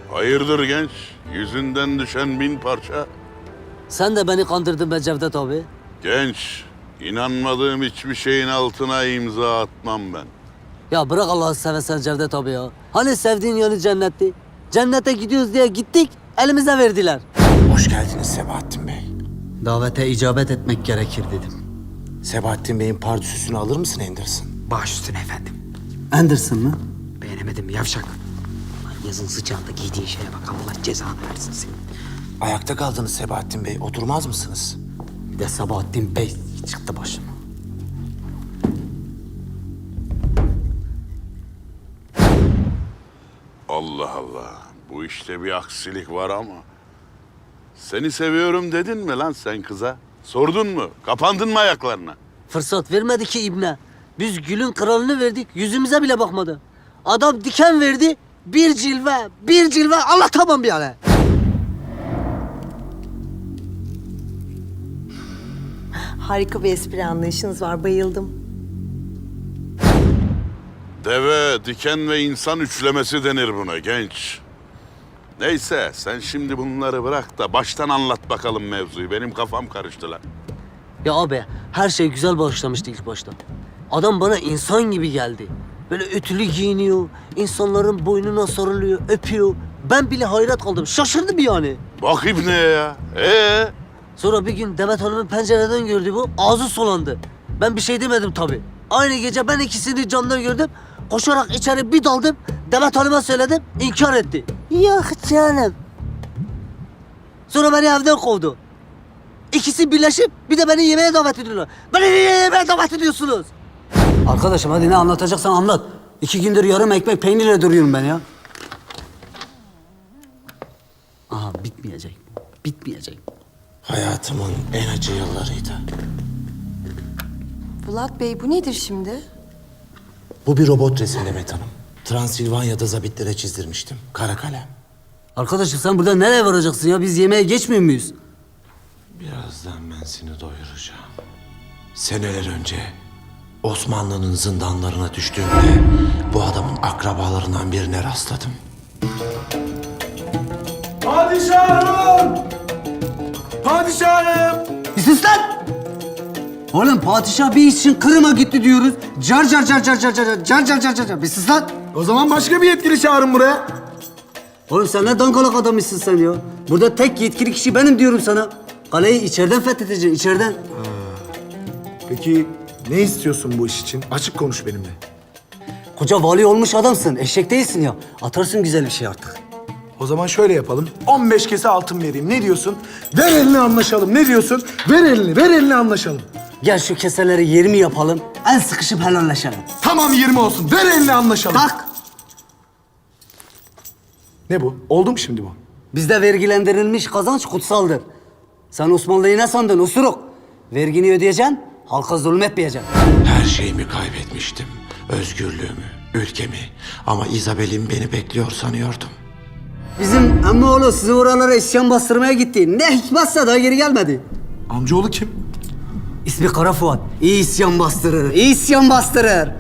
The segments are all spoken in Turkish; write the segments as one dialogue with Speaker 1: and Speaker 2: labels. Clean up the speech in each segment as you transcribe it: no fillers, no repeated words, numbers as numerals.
Speaker 1: Hayırdır genç? Yüzünden düşen 1000 parça.
Speaker 2: Sen de beni kandırdın be Cevdet abi.
Speaker 1: Genç, inanmadığım hiçbir şeyin altına imza atmam ben.
Speaker 2: Ya bırak Allah'ı seversen Cevdet abi ya. Hani sevdiğin yönü cennetti? Cennete gidiyoruz diye gittik, elimize verdiler.
Speaker 3: Hoş geldiniz Sebahattin Bey.
Speaker 2: Davete icabet etmek gerekir dedim.
Speaker 3: Sebahattin Bey'in pardüsüsünü alır mısın Anderson?
Speaker 4: Baş üstüne efendim.
Speaker 2: Anderson mı?
Speaker 4: Beğenemedim yavşak. Lan yazın sıcağında giydiğin şeye bak, Allah cezanı versin seni.
Speaker 3: Ayakta kaldınız Sebahattin Bey. Oturmaz mısınız?
Speaker 2: Bir de Sabahattin Bey çıktı başıma.
Speaker 1: Allah Allah, bu işte bir aksilik var ama. Seni seviyorum dedin mi lan sen kıza? Sordun mu? Kapandın mı ayaklarına?
Speaker 2: Fırsat vermedi ki ibne. Biz gülün kralını verdik, yüzümüze bile bakmadı. Adam diken verdi, bir cilve anlatamam yani.
Speaker 5: Harika bir espri anlayışınız var, bayıldım.
Speaker 1: Deve, diken ve insan üçlemesi denir buna genç. Neyse, sen şimdi bunları bırak da baştan anlat bakalım mevzuyu. Benim kafam karıştı lan.
Speaker 2: Ya abi, her şey güzel başlamıştı ilk başta. Adam bana insan gibi geldi. Böyle ütülü giyiniyor, insanların boynuna sarılıyor, öpüyor. Ben bile hayret kaldım, şaşırdım yani.
Speaker 1: Bak İbni'ye ya.
Speaker 2: Sonra bir gün Demet Hanım'ın pencereden gördü bu, ağzı sulandı. Ben bir şey demedim tabii. Aynı gece ben ikisini camdan gördüm. Koşarak içeri bir daldım. Demet Hanım'a söyledim, inkar etti. Yok canım. Sonra beni evden kovdu. İkisi birleşip bir de beni yemeğe davet ediyorlar. Beni niye yemeğe davet ediyorsunuz? Arkadaşım hadi ne anlatacaksan anlat. 2 gündür yarım ekmek peynirle duruyorum ben ya. Aha bitmeyecek. Bitmeyecek.
Speaker 3: Hayatımın en acı yıllarıydı.
Speaker 5: Bulat Bey, bu nedir şimdi?
Speaker 3: Bu bir robot resim Demet Hanım. Transilvanya'da zabitlere çizdirmiştim. Kara kalem.
Speaker 2: Arkadaşım sen burada nereye varacaksın ya? Biz yemeğe geçmiyor muyuz?
Speaker 3: Birazdan ben seni doyuracağım. Seneler önce Osmanlı'nın zindanlarına düştüğümde bu adamın akrabalarından birine rastladım.
Speaker 6: Padişahım! Padişahım!
Speaker 2: Bir sus lan! Oğlum padişah bir iş için Kırım'a gitti diyoruz. Car car car car car car car car car car car. Bir sus lan!
Speaker 6: O zaman başka bir yetkili çağırın buraya.
Speaker 2: Oğlum sen ne dangalak adammışsın sen ya. Burada tek yetkili kişi benim diyorum sana. Kaleyi içeriden fethedeceksin, içeriden.
Speaker 6: Peki ne istiyorsun bu iş için? Açık konuş benimle.
Speaker 2: Koca vali olmuş adamsın, eşek değilsin ya. Atarsın güzel bir şey artık.
Speaker 6: O zaman şöyle yapalım. 15 kese altın vereyim. Ne diyorsun? Ver elini anlaşalım. Ne diyorsun? Ver elini, ver elini anlaşalım.
Speaker 2: Gel şu keseleri 20 yapalım, el sıkışıp helalleşelim.
Speaker 6: Tamam 20 olsun. Ver elini anlaşalım.
Speaker 2: Tak!
Speaker 6: Ne bu? Oldu mu şimdi bu?
Speaker 2: Bizde vergilendirilmiş kazanç kutsaldır. Sen Osmanlı'yı ne sandın usuruk? Vergini ödeyeceksin, halka zulmetmeyeceksin.
Speaker 3: Her şeyimi kaybetmiştim. Özgürlüğümü, ülkemi. Ama İzabel'in beni bekliyor sanıyordum.
Speaker 2: Bizim emmoğlu sizi oralara isyan bastırmaya gitti. Ne hikmetse daha geri gelmedi.
Speaker 6: Amcaoğlu kim?
Speaker 2: İsmi Kara Fuat. İyi isyan bastırır, iyi isyan bastırır.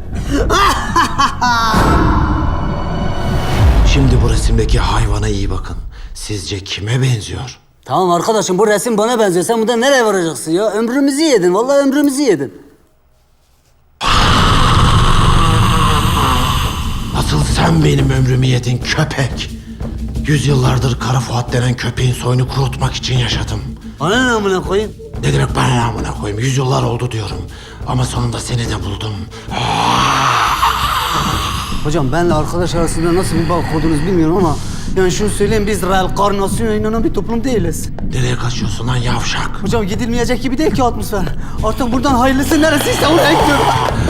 Speaker 3: Şimdi bu resimdeki hayvana iyi bakın. Sizce kime benziyor?
Speaker 2: Tamam arkadaşım bu resim bana benziyor. Sen buradan nereye varacaksın ya? Ömrümüzü yedin, vallahi ömrümüzü yedin.
Speaker 3: Asıl sen benim ömrümü yedin köpek. Yüzyıllardır Kara Fuat denen köpeğin soyunu kurutmak için yaşadım.
Speaker 2: Bana ne amına koyayım?
Speaker 3: Ne demek bana ne amına koyayım? Yüzyıllar oldu diyorum. Ama sonunda seni de buldum.
Speaker 2: Hocam benle arkadaş arasında nasıl bir bağ kurdunuz bilmiyorum ama... Yani şunu söyleyeyim, biz reenkarnasyona inanan bir toplum değiliz.
Speaker 3: Nereye kaçıyorsun lan yavşak?
Speaker 2: Hocam gidilmeyecek gibi değil ki atmosfer. Artık buradan hayırlısı neresiyse oraya gidiyorum.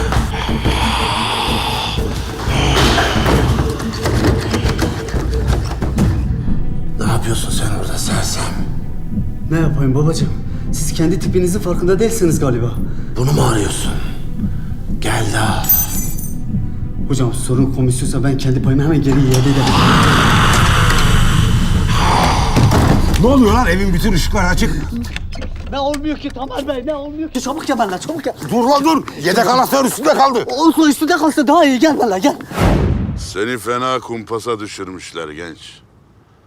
Speaker 3: Ne yapıyorsun sen orada sersem?
Speaker 2: Ne yapayım babacığım? Siz kendi tipinizin farkında değilsiniz galiba.
Speaker 3: Bunu mu arıyorsun? Gel de al.
Speaker 2: Hocam sorun komisyonsa ben kendi payımı hemen geri iade ederim.
Speaker 6: Ne oluyor lan? Evin bütün ışıkları açık.
Speaker 2: Ne olmuyor ki Tamer Bey, ne olmuyor ki? Çabuk gel benimle, çabuk gel.
Speaker 6: Dur lan dur. Yedek anahtar üstünde kaldı.
Speaker 2: Olsun üstünde kalsa daha iyi, gel benimle gel.
Speaker 1: Seni fena kumpasa düşürmüşler genç.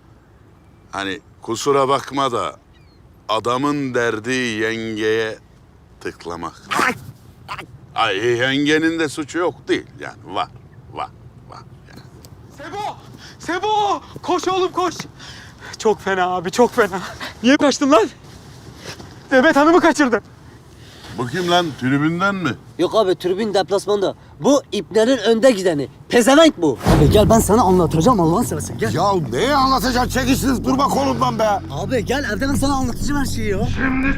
Speaker 1: Hani kusura bakma da adamın derdi yengeye tıklamak. Ay yengenin de suçu yok değil yani var yani.
Speaker 7: Sebo! Sebo! Koş oğlum koş. Çok fena abi çok fena. Niye kaçtın lan? Demet Hanım'ı kaçırdın.
Speaker 1: Bu kim lan tribünden mi?
Speaker 2: Yok abi tribün deplasmanda. Bu iplerin önde gideni. Pezevenk bu. Abi gel ben sana anlatacağım Allah'ın seversen gel.
Speaker 8: Ya neyi anlatacaksın? Çekişiniz durma kolumdan be.
Speaker 2: Abi gel evde ben sana anlatacağım her şeyi ya.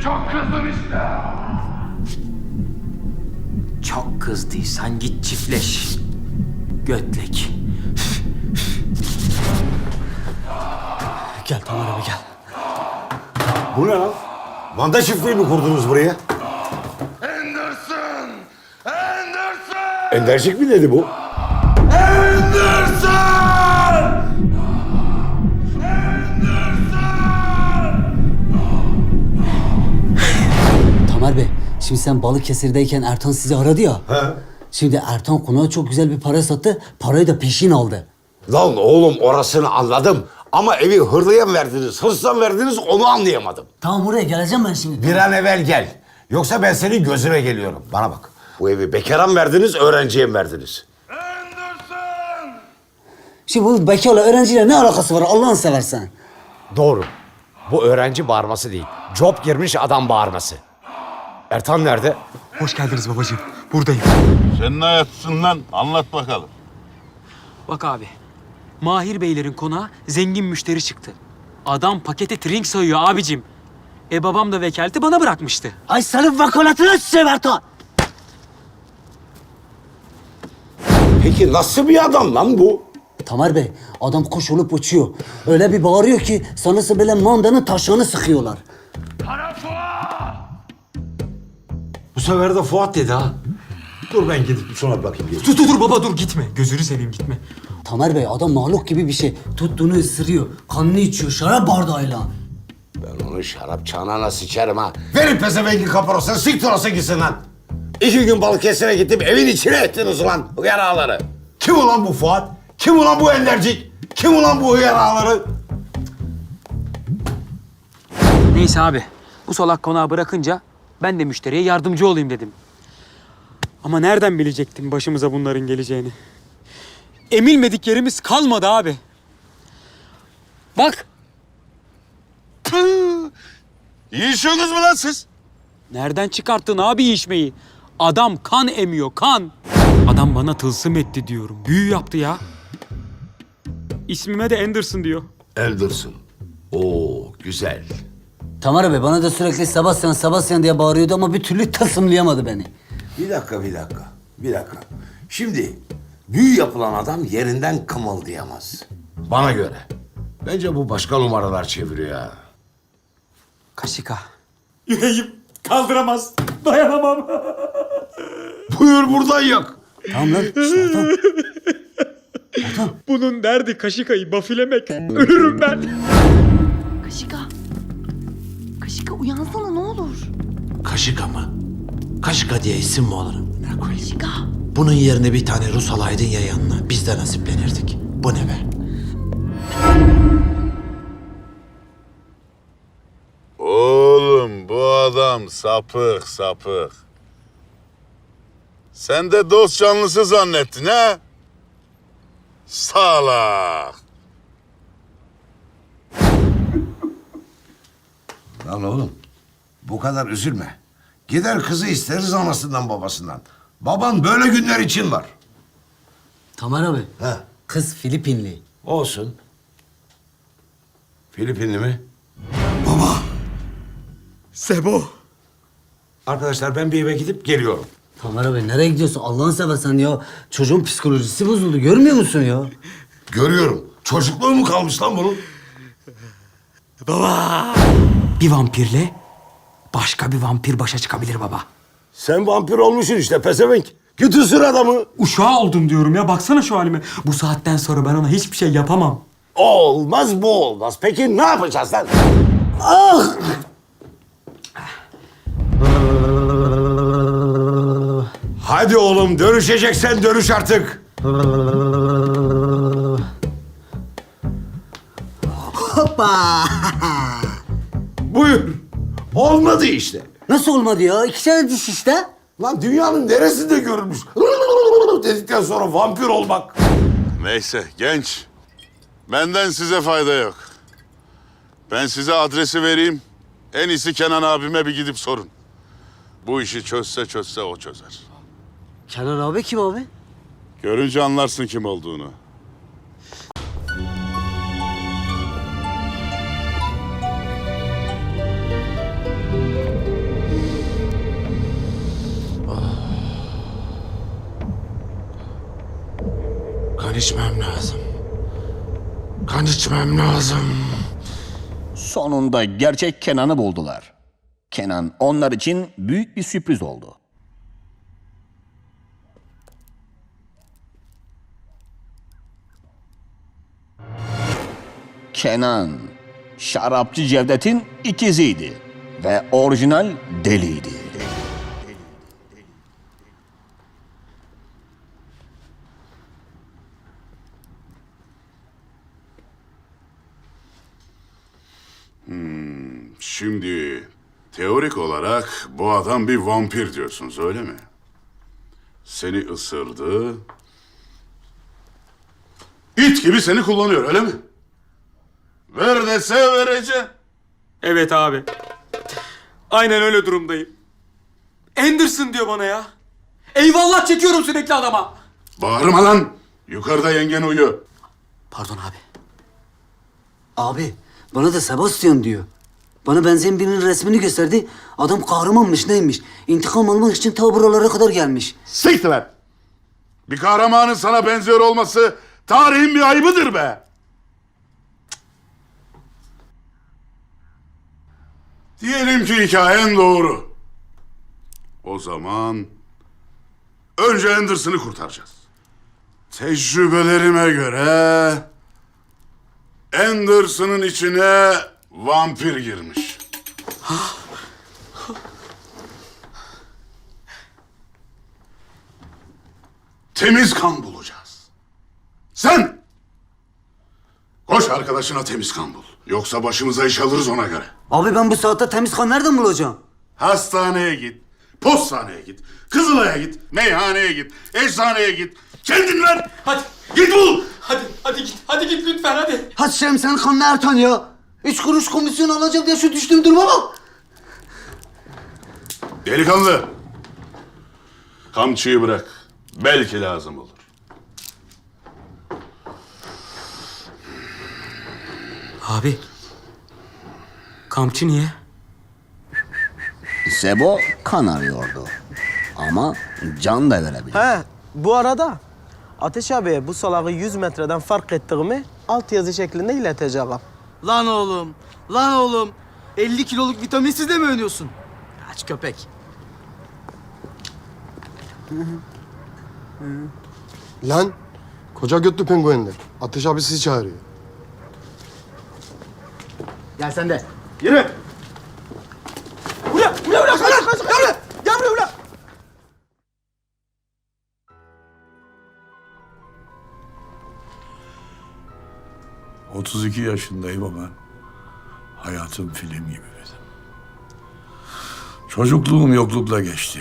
Speaker 4: Çok kızdıysan git çiftleş. Götlek.
Speaker 2: Gel Tamer abi gel.
Speaker 8: Bu ne lan? Manda çiftliği mi kurdunuz buraya? Endercik mi dedi bu?
Speaker 2: Tamer Bey şimdi sen Balıkesir'deyken Ertan sizi aradı ya.
Speaker 8: He.
Speaker 2: Şimdi Ertan konağa çok güzel bir para sattı. Parayı da peşin aldı.
Speaker 8: Lan oğlum orasını anladım. Ama evi hırlıya mı verdiniz, hırsla mı verdiniz onu anlayamadım.
Speaker 2: Tamam oraya geleceğim ben şimdi.
Speaker 8: Bir an evvel gel. Yoksa ben senin gözüne geliyorum. Bana bak. Bu evi bekara mı verdiniz, öğrenciye mi verdiniz?
Speaker 2: Şimdi bu bekarla öğrenciyle ne alakası var Allah'ını seversen?
Speaker 8: Doğru. Bu öğrenci bağırması değil. Job girmiş adam bağırması. Ertan nerede?
Speaker 7: Hoş geldiniz babacığım. Buradayım.
Speaker 1: Sen ne ayaksın lan? Anlat bakalım.
Speaker 7: Bak abi. Mahir Beylerin konağa zengin müşteri çıktı. Adam pakete trink sayıyor abicim. Babam da vekaleti bana bırakmıştı.
Speaker 2: Ay senin vakaletine sıçayım Ertan.
Speaker 8: Peki nasıl bir adam lan bu?
Speaker 2: Tamer Bey adam kuş olup uçuyor. Öyle bir bağırıyor ki sanırsın böyle mandanın taşağını sıkıyorlar.
Speaker 3: Bu sefer de Fuat dedi ha. Dur ben gidip sonra bakayım.
Speaker 7: Dur baba dur gitme. Gözünü seveyim gitme.
Speaker 2: Tamer Bey adam mahluk gibi bir şey. Tuttuğunu ısırıyor. Kanını içiyor şarap bardağıyla.
Speaker 8: Ben onu şarap çanağına sıçarım ha. Verin pezevengi kaparosuna, siktir olsa gitsin lan. 2 gün Balıkesir'e gittim, evin içine ettiniz ulan hıyar ağaları. Kim ulan bu Fuat? Kim ulan bu Endercik? Kim ulan bu hıyar ağaları?
Speaker 7: Neyse abi. Bu salak konağı bırakınca ben de müşteriye yardımcı olayım dedim. Ama nereden bilecektim başımıza bunların geleceğini? Emilmedik yerimiz kalmadı abi. Bak.
Speaker 1: Yiyişiyorsunuz mu lan siz?
Speaker 7: Nereden çıkarttın abi içmeyi? Adam kan emiyor, kan. Adam bana tılsım etti diyorum. Büyü yaptı ya. İsmime de Anderson diyor.
Speaker 8: Anderson. Oo güzel.
Speaker 2: Tamer Bey bana da sürekli Sebastian diye bağırıyordu ama bir türlü tılsımlayamadı beni.
Speaker 8: Bir dakika. Şimdi büyü yapılan adam yerinden kımıldayamaz. Bana göre. Bence bu başka numaralar çeviriyor ha.
Speaker 7: Kaşika. Yüreğim kaldıramaz. Dayanamam.
Speaker 8: Buyur buradan yak.
Speaker 2: Tamam lan. Ertan.
Speaker 7: Bunun derdi kaşikayı bafilemek. Ölürüm ben.
Speaker 5: Kaşika. Kaşika uyansana ne olur.
Speaker 3: Kaşika mı? Kaşika diye isim mi olur? Ne koyayım?
Speaker 5: Kaşika.
Speaker 3: Bunun yerine bir tane Rus alaydın ya yanına. Biz de nasiplenirdik. Bu ne be?
Speaker 1: Oğlum bu adam sapık. Sen de dost canlısı zannettin ha? Salak.
Speaker 8: Lan oğlum bu kadar üzülme. Gider kızı isteriz anasından babasından. Baban böyle günler için var.
Speaker 2: Tamer abi.
Speaker 8: He.
Speaker 2: Kız Filipinli.
Speaker 8: Olsun. Filipinli mi?
Speaker 7: Sebo.
Speaker 8: Arkadaşlar ben bir eve gidip geliyorum.
Speaker 2: Tamer abi nereye gidiyorsun Allah'ını seversen ya. Çocuğun psikolojisi bozuldu görmüyor musun ya?
Speaker 8: Görüyorum. Çocukluğu mu kalmış lan bunun?
Speaker 7: Bir vampirle başka bir vampir başa çıkabilir baba.
Speaker 8: Sen vampir olmuşsun işte pezevenk. Git ısır adamı.
Speaker 7: Uşağı oldum diyorum ya. Baksana şu halime. Bu saatten sonra ben ona hiçbir şey yapamam.
Speaker 8: O olmaz bu olmaz. Peki ne yapacağız lan? Hadi oğlum dönüşeceksen dönüş artık.
Speaker 2: Hoppa!
Speaker 8: Buyur. Olmadı işte.
Speaker 2: Nasıl olmadı ya? 2 tane diş işte.
Speaker 8: Lan dünyanın neresinde görülmüş? Dedikten sonra vampir olmak.
Speaker 1: Neyse genç. Benden size fayda yok. Ben size adresi vereyim. En iyisi Kenan abime bir gidip sorun. Bu işi çözse o çözer.
Speaker 2: Kenan abi kim abi?
Speaker 1: Görünce anlarsın kim olduğunu.
Speaker 3: Kan içmem lazım. Kan içmem lazım.
Speaker 9: Sonunda gerçek Kenan'ı buldular. Kenan onlar için büyük bir sürpriz oldu. Kenan, şarapçı Cevdet'in ikiziydi ve orijinal deliydi.
Speaker 1: Şimdi teorik olarak bu adam bir vampir diyorsunuz öyle mi? Seni ısırdı. İt gibi seni kullanıyor öyle mi? Ver dese vereceğim.
Speaker 7: Evet abi. Aynen öyle durumdayım. Anderson diyor bana ya. Eyvallah çekiyorum sürekli adama.
Speaker 1: Bağırma lan. Yukarıda yengen uyuyor.
Speaker 4: Pardon abi.
Speaker 2: Abi bana da Sebastian diyor. Bana benzeyen birinin resmini gösterdi. Adam kahramanmış neymiş. İntikam almak için ta buralara kadar gelmiş.
Speaker 1: Siktir lan. Bir kahramanın sana benziyor olması tarihin bir ayıbıdır be. Diyelim ki hikayen doğru. O zaman önce Anderson'ı kurtaracağız. Tecrübelerime göre Anderson'ın içine vampir girmiş. Temiz kan bulacağız. Sen koş arkadaşına temiz kan bul. Yoksa başımıza iş alırız ona göre.
Speaker 2: Abi ben bu saatte temiz kan nereden bulacağım?
Speaker 1: Hastaneye git, postaneye git, Kızılay'a git, meyhaneye git, eczaneye git. Kendin ver.
Speaker 7: Hadi.
Speaker 1: Git bul.
Speaker 7: Hadi git lütfen hadi.
Speaker 2: Hadi Şerem senin kanını Ertan ya. 3 kuruş komisyon alacağım diye şu düştüğüm duruma bak.
Speaker 1: Delikanlı. Kamçıyı bırak. Belki lazım olur.
Speaker 4: Abi. Kamçı niye?
Speaker 9: Sebo kan arıyordu. Ama can da verebilir.
Speaker 10: He, bu arada Ateş abiye bu salağı 100 metreden fark ettiğimi alt yazı şeklinde ileteceğim.
Speaker 11: Lan oğlum. 50 kiloluk vitaminsiz de mi oynuyorsun? Aç köpek.
Speaker 12: Lan koca götlü penguenler. Ateş abi sizi çağırıyor.
Speaker 11: Gel sen de.
Speaker 10: Yürü! Buraya! Gel buraya!
Speaker 1: 32 yaşındayım ama hayatım film gibi benim. Çocukluğum yoklukla geçti.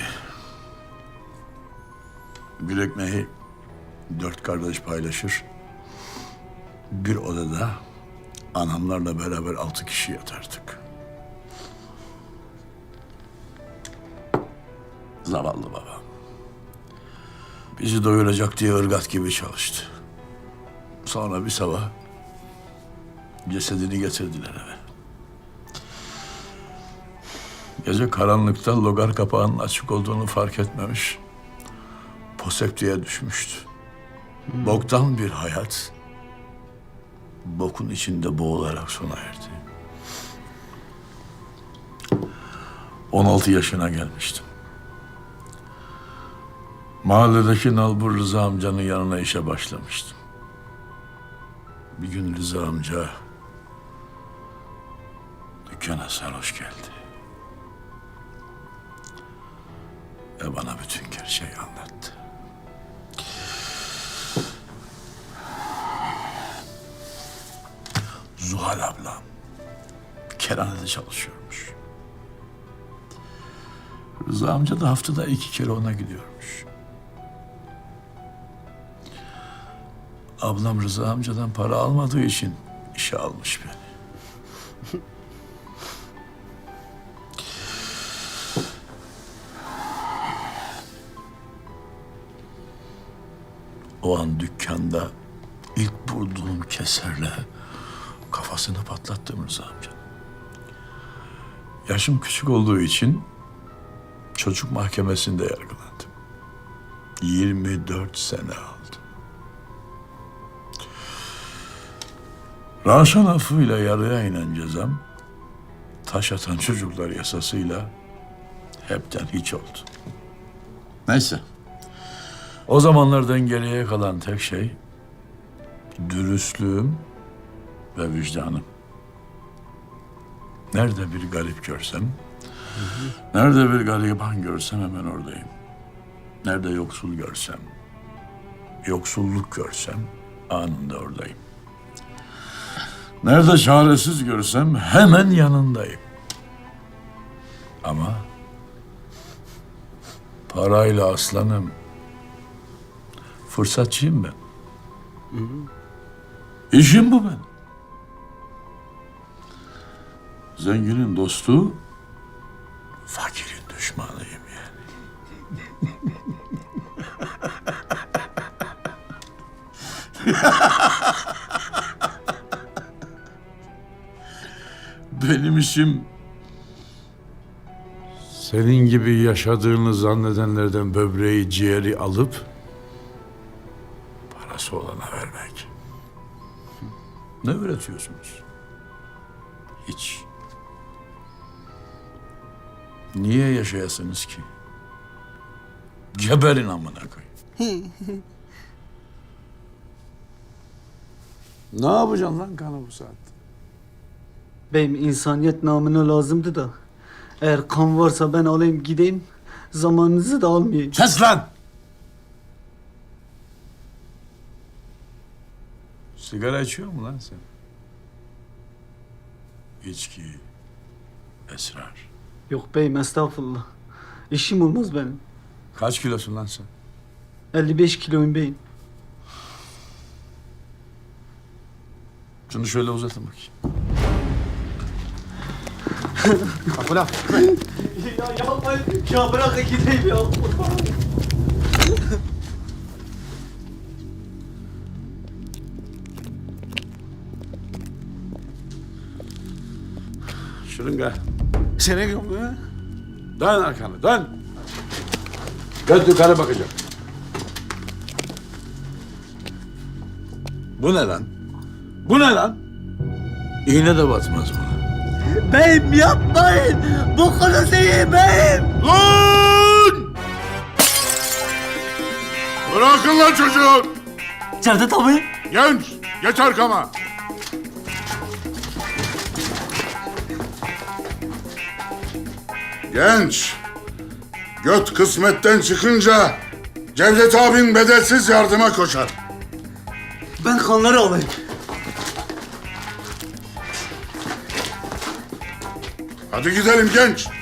Speaker 1: Bir ekmeği 4 kardeş paylaşır. Bir odada anamlarla beraber 6 kişi yatardık. Zavallı babam. Bizi doyuracak diye ırgat gibi çalıştı. Sonra bir sabah cesedini getirdiler eve. Gece karanlıkta logar kapağının açık olduğunu fark etmemiş. Poseptiğe düşmüştü. Boktan bir hayat, bokun içinde boğularak sona erdi. 16 yaşına gelmiştim. Mahalledeki nalbur Rıza amcanın yanına işe başlamıştım. Bir gün Rıza amca dükkana sarhoş geldi. Ve bana bütün gerçeği anlattı. Zuhal ablam kerhanede çalışıyormuş. Rıza amca da haftada 2 kere ona gidiyormuş. Ablam Rıza amcadan para almadığı için işe almış beni. O an dükkanda ilk vurduğum keserle kafasını patlattım Rıza amca. Yaşım küçük olduğu için çocuk mahkemesinde yargılandım. 24 sene aldı. Raşan affıyla yarıya inen cezam, taş atan çocuklar yasasıyla hepten hiç oldu. Neyse. O zamanlardan geriye kalan tek şey dürüstlüğüm ve vicdanım. Nerede bir garip görsem, nerede bir gariban görsem hemen oradayım. Nerede yoksul görsem, yoksulluk görsem anında oradayım. Nerede çaresiz görsem hemen yanındayım. Ama parayla aslanım, fırsatçıyım ben. İşim bu benim. Zenginin dostu, fakirin düşmanıyım yani. Benim işim senin gibi yaşadığını zannedenlerden böbreği, ciğeri alıp parası olana vermek. Ne üretiyorsunuz? Hiç. Niye yaşayasınız ki? Geberin amına koyayım. Ne yapacaksın lan kanı bu saatte?
Speaker 11: Beyim insaniyet namına lazımdı da. Eğer kan varsa ben alayım gideyim. Zamanınızı da almayayım.
Speaker 1: Kes lan! Sigara içiyor mu lan sen? İçki, esrar.
Speaker 11: Yok beyim estağfurullah. İşim olmaz benim.
Speaker 1: Kaç kilosun lan sen?
Speaker 11: 55 kiloyum beyim.
Speaker 1: Şunu şöyle uzatın bakayım.
Speaker 12: Kapıla.
Speaker 11: Ya yapmayın. Ya bırakın gideyim ya.
Speaker 1: Şırınga. Senin yok mu? Dön arkanı, dön. Göz yukarı bakacağım. Bu ne lan? Bu ne lan? İğne de batmaz buna.
Speaker 11: Beyim yapmayın. Bu konu değil beyim.
Speaker 1: Lan! Bırakın lan çocuğu!
Speaker 11: Cevdet abi.
Speaker 1: Genç, geç arkama. Genç, göt kısmetten çıkınca Cevdet abin bedelsiz yardıma koşar.
Speaker 11: Ben kanları alayım.
Speaker 1: Hadi gidelim genç.